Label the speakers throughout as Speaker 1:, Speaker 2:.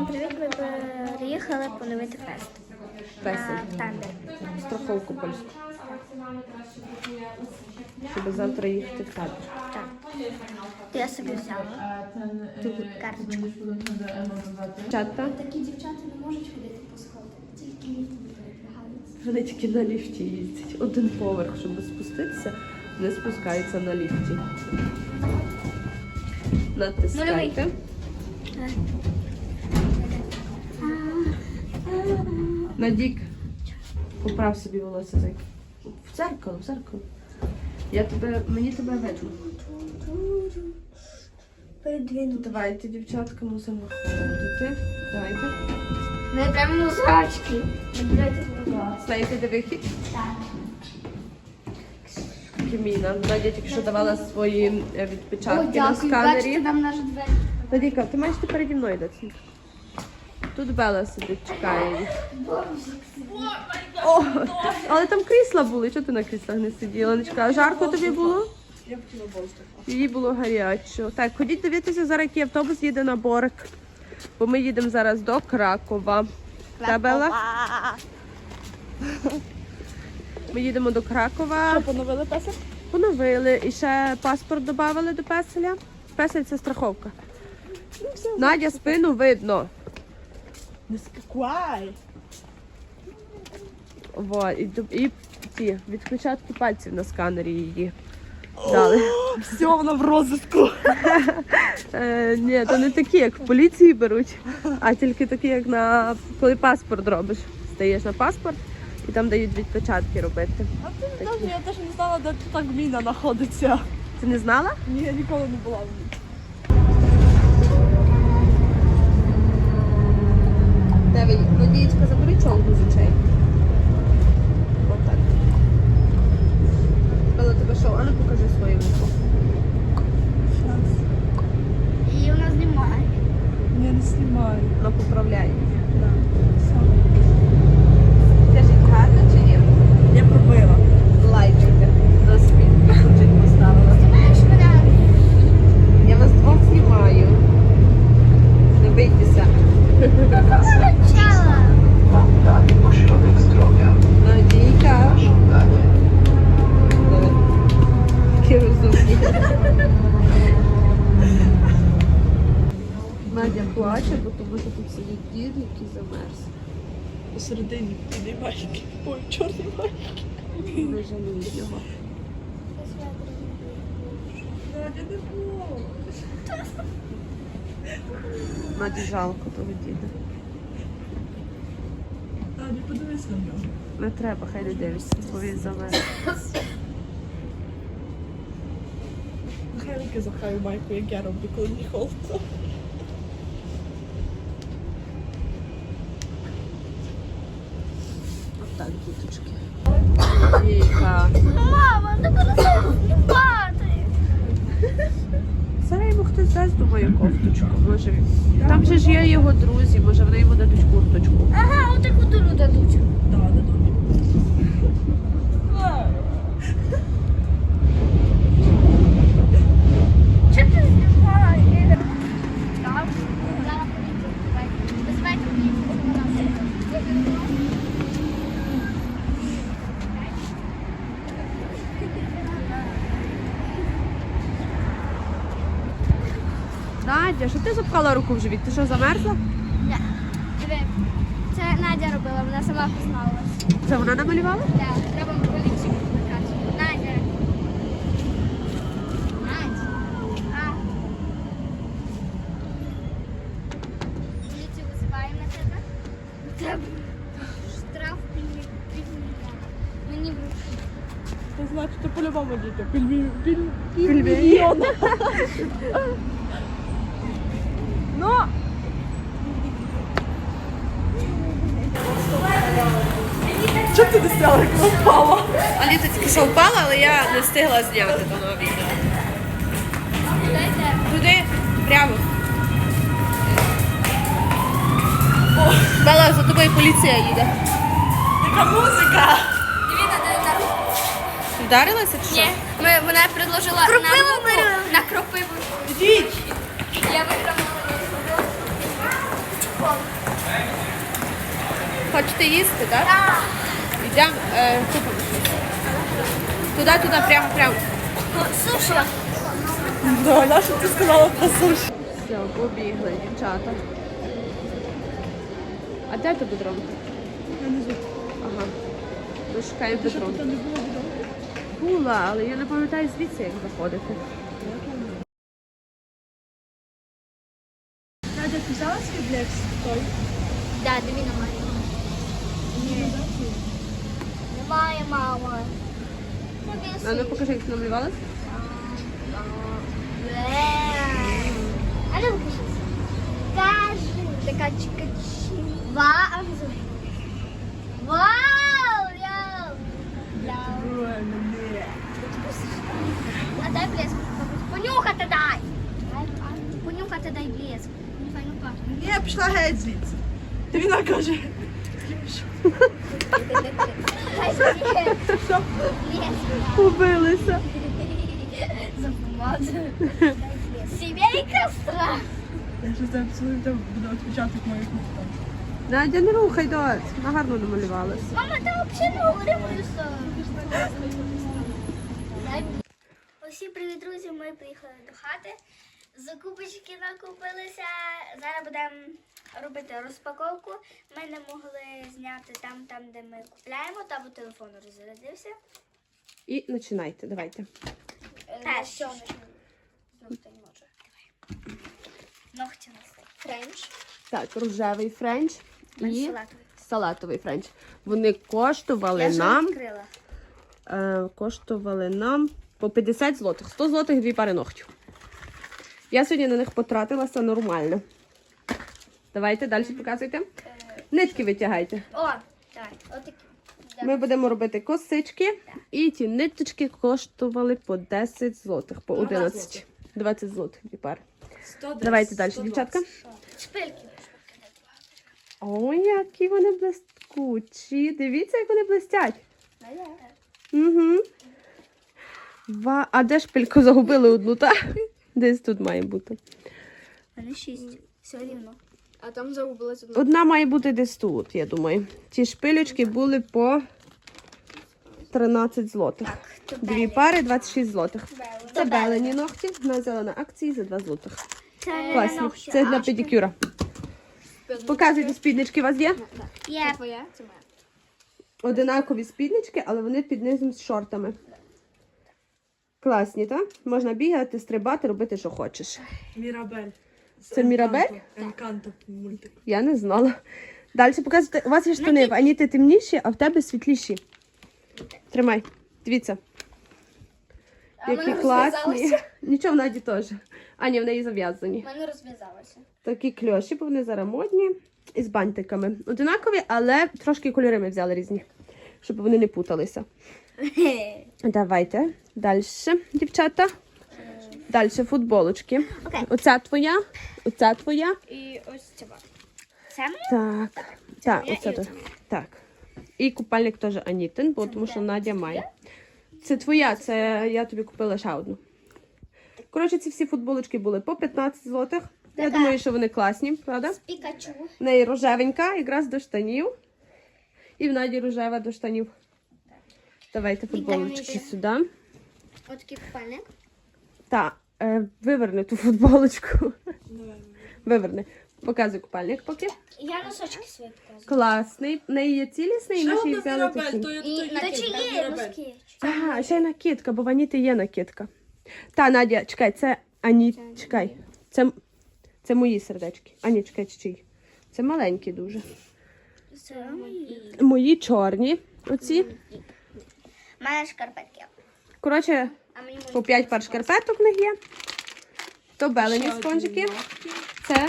Speaker 1: Всім привіт! Ми приїхали поновити фест. Тандер.
Speaker 2: Страховку польську. Щоб завтра їхати в табір.
Speaker 1: Так. То я собі взяла карточку.
Speaker 2: Дівчата?
Speaker 1: Такі дівчата не можуть ходити по сходах, тільки ліфт не передвигаються.
Speaker 2: Вони тільки на ліфті їздять. Один поверх, щоб спуститися, не спускаються на ліфті. Натискайте. Надік, поправ собі волосся, зайка. В дзеркало, в дзеркало. Мені тебе видно. Давайте, дівчатка, мусимо виходити. Давайте.
Speaker 1: Ми прямо музачки.
Speaker 2: Знаєте, де вихід?
Speaker 1: Так.
Speaker 2: Кіміна. Надя тільки що давала свої відпечатки на
Speaker 1: Бачите,
Speaker 2: сканері.
Speaker 1: нам наш двері.
Speaker 2: Надійка, ти маєш тепер переді мною йти. Тут Бела сидить, чекає їх. О, але там крісла були, чого ти на кріслах не сиділа? Нечка, жарко тобі було?
Speaker 3: Я хотіла бостик.
Speaker 2: Їй було гарячо. Так, ходіть дивитися, зараз який автобус їде на Борик. Бо ми їдемо зараз до Кракова. Та, Бела? Ми їдемо до Кракова.
Speaker 3: Що, поновили песик?
Speaker 2: Поновили. І ще паспорт додали до песеля. Песель – це страховка. Надя, спину видно.
Speaker 3: Не скакуай.
Speaker 2: Вот. І ті відпечатки пальців на сканері її дали.
Speaker 3: Все, вона в розиску.
Speaker 2: Ні, то не такі, як в поліції беруть, а тільки такі, як коли паспорт робиш. Стаєш на паспорт і там дають відпечатки робити.
Speaker 3: А ти не я теж не знала, де тут так міна знаходиться.
Speaker 2: Ти не знала?
Speaker 3: Ні, я ніколи не була в ній.
Speaker 2: Давай, Надієчка, забери чолку з очей. Отак. Бела, тебе що? А ну покажи своє вухо.
Speaker 1: І вона знімає.
Speaker 3: Ні, не знімаю.
Speaker 2: Вона поправляє. Скажіть, гарно чи ні?
Speaker 3: Я пробила.
Speaker 2: Лайкайте. До світ. Чуть поставила.
Speaker 1: Знаєш мене?
Speaker 2: Я вас двох знімаю. Не бийтеся.
Speaker 1: Почала.
Speaker 4: Dany ośrodek zdrowia.
Speaker 2: Надійка.
Speaker 4: Żądanie.
Speaker 2: Такі розумні. Надя плаче, бо тому що тут сидить дід, який замерз.
Speaker 3: Посередині білий майки. Ой, чорний майки.
Speaker 2: Не жаліють його.
Speaker 3: Надя, не було.
Speaker 2: Наді жалко того діда.
Speaker 3: Надя, подивись на нього.
Speaker 2: Не треба, хай не дивишся, бо він замерз.
Speaker 3: Нехай руки захаю майку, як я роблю, коли мені холодно.
Speaker 2: Отак, діточки. Віка.
Speaker 1: Мама, не буду знімати.
Speaker 2: Зараз йому хтось дасть, думаю, кофточку. Може, там же ж є його друзі, може вони йому дадуть курточку.
Speaker 1: Ага, отаку дуру дадуть.
Speaker 3: Да, дадуть.
Speaker 1: Чого ти знімаєш? Так, зараз поліцію. Безпеки поліцію.
Speaker 2: Надя, що ти запхала руку в живіт? Ти що, замерзла?
Speaker 1: Диви, це Надя робила, вона сама позналась.
Speaker 2: Це вона намалювала?
Speaker 1: Так, треба поліцію викликати. Надя. Надя. А. Поліцію визиваємо на тебе. Треба штраф півмільйона. Мені в руки.
Speaker 3: Це значить, ти по-любому діти.
Speaker 2: Пільмільйон.
Speaker 3: Ну! Чого ти не стала, як вона впала?
Speaker 2: Аліта тільки що впала, але я не встигла зняти до нового відео. Туди, прямо. Бела, за тобою поліція їде.
Speaker 3: Яка музика!
Speaker 2: Вдарилася чи що?
Speaker 1: Ні, вона предложила на кропиву.
Speaker 3: Ідіть!
Speaker 1: Я виграла.
Speaker 2: Хочете їсти, так?
Speaker 1: Так.
Speaker 2: Йдемо, купимо щось. Туди, прямо.
Speaker 1: Суші.
Speaker 3: Да, нащо ти сказала про суші?
Speaker 2: Все, побігли, дівчата. А де то бедро? Ага. Ми шукаємо бедро.
Speaker 3: Тут не було відомо.
Speaker 2: Була, але я не пам'ятаю звідси, як заходити.
Speaker 3: Надя, ти взяла свій блекс? Той?
Speaker 1: Да, диви на мене. Ні. Немає, мама.
Speaker 2: А ну покажи, як ти намалювалась.
Speaker 1: А ну покажи. Кажи. Така чикачі. Вау. Вау. А дай блеск. Понюхати дай. Понюхати дай блеск. Файно пахне.
Speaker 3: Ні, пішла геть звідси. Ти вона каже.
Speaker 1: Хай собі.
Speaker 3: Що?
Speaker 1: Блеск.
Speaker 2: Побилися.
Speaker 1: Сімейка страх.
Speaker 3: Я щось там цілую, там буду відпечаток моїх там.
Speaker 2: Надя, не рухай, дось. Вона гарно намалювалась.
Speaker 1: Мама, ти взагалі не говорила. Усім привіт, друзі! Ми приїхали до хати. Закупочки накупилися. Зараз будемо робити розпаковку. Ми не могли зняти там, де ми купляємо, та бо телефон розрядився.
Speaker 2: І починайте, давайте.
Speaker 1: Перший. Знов не може. Ногті у нас френч.
Speaker 2: Так, рожевий френч і
Speaker 1: Салатовий.
Speaker 2: салатовий френч. Вони
Speaker 1: Я
Speaker 2: коштували
Speaker 1: вже
Speaker 2: нам,
Speaker 1: відкрила.
Speaker 2: по 50 злотих. 100 злотих 2 пари ногтів. Я сьогодні на них потратилася нормально. Давайте, далі показуйте. Нитки витягайте.
Speaker 1: О, давай, отакі.
Speaker 2: Ми будемо робити косички. І ті ниточки коштували по 10 злотих, по 11. 20 злотих 2 пари.
Speaker 3: 110,
Speaker 2: Давайте далі,
Speaker 3: 120.
Speaker 2: дівчатка.
Speaker 1: Шпильки.
Speaker 2: Ой, які вони блискучі. Дивіться, як вони блистять. Угу. А де шпильку загубили одну, так? Десь тут має бути.
Speaker 1: У мене 6. Все рівно.
Speaker 3: А там загубилась одна.
Speaker 2: Одна має бути десь тут, я думаю. Ті шпилючки були по 13 злотих.
Speaker 1: то
Speaker 2: 2 пари 26 злотих. Це белені ногті. Вона взяла на акції за 2 злотих.
Speaker 1: Це
Speaker 2: Класні. Це для педикюра. Показуйте, спіднички у вас є?
Speaker 1: Є.
Speaker 3: Твоя? Це моя.
Speaker 2: Одинакові спіднички, але вони під низом з шортами. Класні, так? Можна бігати, стрибати, робити, що хочеш.
Speaker 3: Мірабель.
Speaker 2: Це Мірабель?
Speaker 3: Енканто мультик.
Speaker 2: Я не знала. Далі показуйте. У вас є штани, в Аніти темніші, а в тебе світліші. Тримай. Дивіться. Які класні. Нічого в Наді теж. Аня, в неї зав'язані.
Speaker 1: У мене розв'язалося.
Speaker 2: Такі кльоші, бо вони зараз модні. І з бантиками. Одинакові, але трошки кольори ми взяли різні. Щоб вони не путалися. Давайте. Далі, дівчата. Далі футболочки.
Speaker 1: Окей.
Speaker 2: Оця твоя. Оця твоя.
Speaker 1: І ось це. Це моє?
Speaker 2: Так. Так,
Speaker 1: моя
Speaker 2: оце
Speaker 1: і
Speaker 2: то.
Speaker 1: оце моє.
Speaker 2: Так. І купальник теж Анітин, бо тому що Надя має. Це твоя, це я тобі купила ще одну. Коротше, ці всі футболочки були по 15 злотих. Я
Speaker 1: Така.
Speaker 2: думаю, що вони класні, правда?
Speaker 1: Пікачу.
Speaker 2: В неї рожевенька, якраз до штанів. І в Наді рожева до штанів. Давайте футболочки
Speaker 1: Вітамінки.
Speaker 2: сюди.
Speaker 1: Ось такий купальник.
Speaker 2: Так, виверни ту футболочку.
Speaker 3: Давай.
Speaker 2: Виверни. Показуй купальник поки.
Speaker 1: Я носочки свої показую.
Speaker 2: Класний. В неї є цілісний, і
Speaker 3: Ще
Speaker 2: ми ще й
Speaker 3: одна
Speaker 2: взяли
Speaker 3: Мірабель,
Speaker 2: такі.
Speaker 3: то
Speaker 1: І
Speaker 3: то
Speaker 1: на
Speaker 3: який?
Speaker 1: чи
Speaker 3: Там
Speaker 1: є
Speaker 3: Мірабель.
Speaker 1: носки?
Speaker 2: А, ще й накидка, бо в Аніти є накидка. Та, Надя, чекай, це Ані, чекай. Це мої сердечки. Ані, чекай, чиї. Це маленькі дуже.
Speaker 1: Це мої.
Speaker 2: Мої чорні, оці.
Speaker 1: У мене шкарпетки.
Speaker 2: Коротше,
Speaker 1: А мені
Speaker 2: по 5 пар шкарпеток в них є. То белені спонжики. Це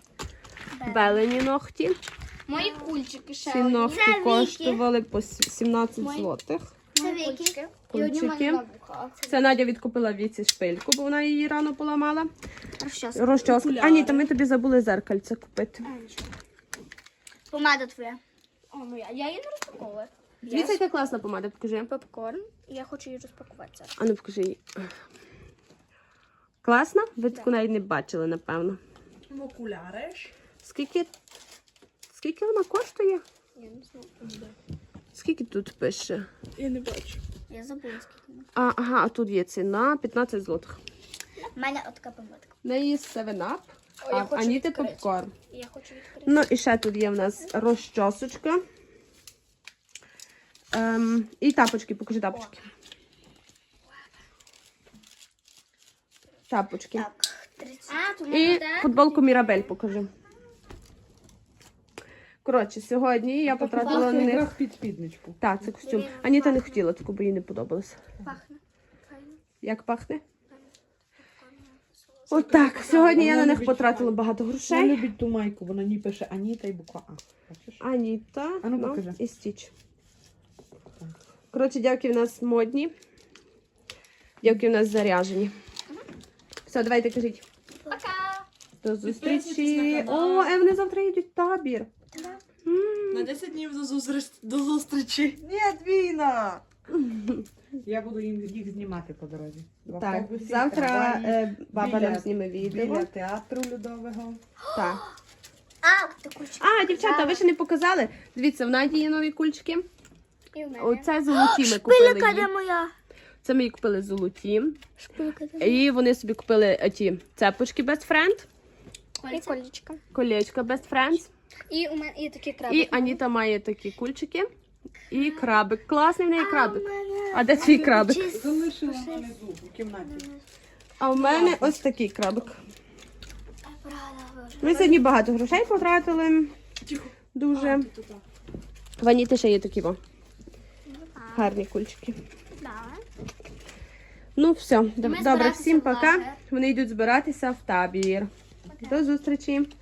Speaker 2: белені ногті.
Speaker 1: Мої кульчики ще.
Speaker 2: Ці
Speaker 1: одні.
Speaker 2: ногті
Speaker 1: Це Вікі.
Speaker 2: коштували по 17 злотих.
Speaker 1: Це Вікі. І одні в
Speaker 2: Кульчики.
Speaker 1: мене на вухах.
Speaker 2: Це Надя відкупила Віці шпильку, бо вона її рано поламала.
Speaker 1: Розчоска.
Speaker 2: Розчоску.
Speaker 3: Окуляри.
Speaker 2: А ні, то ми тобі забули зеркальце купити.
Speaker 1: Помада твоя. О, моя. Я її не розпаковую.
Speaker 2: Дивіться, яка класна помада, покажи.
Speaker 1: Попкорн. Я хочу її розпакувати зараз.
Speaker 2: А ну покажи її. Класна? Ви таку навіть не бачили, напевно.
Speaker 3: Окуляри.
Speaker 2: Скільки? Скільки вона коштує?
Speaker 1: Я не знаю.
Speaker 2: Скільки тут пише?
Speaker 3: Я не бачу.
Speaker 1: Я забула, скільки вона.
Speaker 2: Ага, а тут є ціна 15 злотих.
Speaker 1: У мене от така пам'ятка.
Speaker 2: В неї 7-Up,
Speaker 1: О, я
Speaker 2: а в
Speaker 1: хочу
Speaker 2: Аніти
Speaker 1: відкрити.
Speaker 2: попкорн.
Speaker 1: Я хочу відкрити.
Speaker 2: Ну і ще тут є в нас розчосочка. І тапочки, покажи тапочки. Тапочки.
Speaker 1: Так, 30. А, тут
Speaker 2: І
Speaker 1: буде.
Speaker 2: футболку Мірабель покажи. Коротше, сьогодні я потратила на них.
Speaker 3: під спідничку.
Speaker 2: Так, це костюм. Аніта не хотіла таку, бо їй не подобалося.
Speaker 1: Пахне. Файно.
Speaker 2: Як пахне? Отак. Сьогодні я на них потратила багато
Speaker 3: Вона
Speaker 2: грошей.
Speaker 3: любить ту майку, вона ні пише Аніта і буква А. Бачиш?
Speaker 2: Аніта
Speaker 3: А ну, покажи.
Speaker 2: і Стіч. Коротше, дівки в нас модні. Дівки в нас заряжені. Все, давайте кажіть.
Speaker 1: Пока.
Speaker 2: До
Speaker 3: Підписуйтесь
Speaker 2: зустрічі.
Speaker 3: на канал.
Speaker 2: О, вони завтра їдуть в табір.
Speaker 3: На 10 днів до зустрічі. Ні, Віна! Я буду їх знімати по дорозі. В
Speaker 2: Так,
Speaker 3: автобусі,
Speaker 2: завтра
Speaker 3: трамваї,
Speaker 2: баба
Speaker 3: біля-
Speaker 2: нам зніме відео.
Speaker 3: Біля театру Людового.
Speaker 2: Так.
Speaker 1: А, таку
Speaker 2: А, дівчата, ви ще не показали. Дивіться, в Наді є нові кульчики.
Speaker 1: І в мене.
Speaker 2: Оце золоті ми купили
Speaker 1: Шпилька де
Speaker 2: їй.
Speaker 1: моя?
Speaker 2: Це ми її купили золоті.
Speaker 1: Шпилька де моя?
Speaker 2: І вони собі купили ті цепочки Best Friend,
Speaker 1: І колечка.
Speaker 2: колечко Best Friends.
Speaker 1: І у мене і такі краби.
Speaker 2: І Аніта має такі кульчики. І крабик. Класний в неї крабик. А де твій крабик?
Speaker 3: Залишила внизу в кімнаті.
Speaker 2: А в мене ось такий крабик.
Speaker 1: Правда, боже.
Speaker 2: Ми сьогодні багато грошей потратили. Дуже. В Аніти ще є такі гарні кульчики.
Speaker 1: Да.
Speaker 2: Ну все, добре,
Speaker 1: збиратися
Speaker 2: всім
Speaker 1: в
Speaker 2: пока.
Speaker 1: лагер.
Speaker 2: Вони йдуть збиратися в табір. До зустрічі.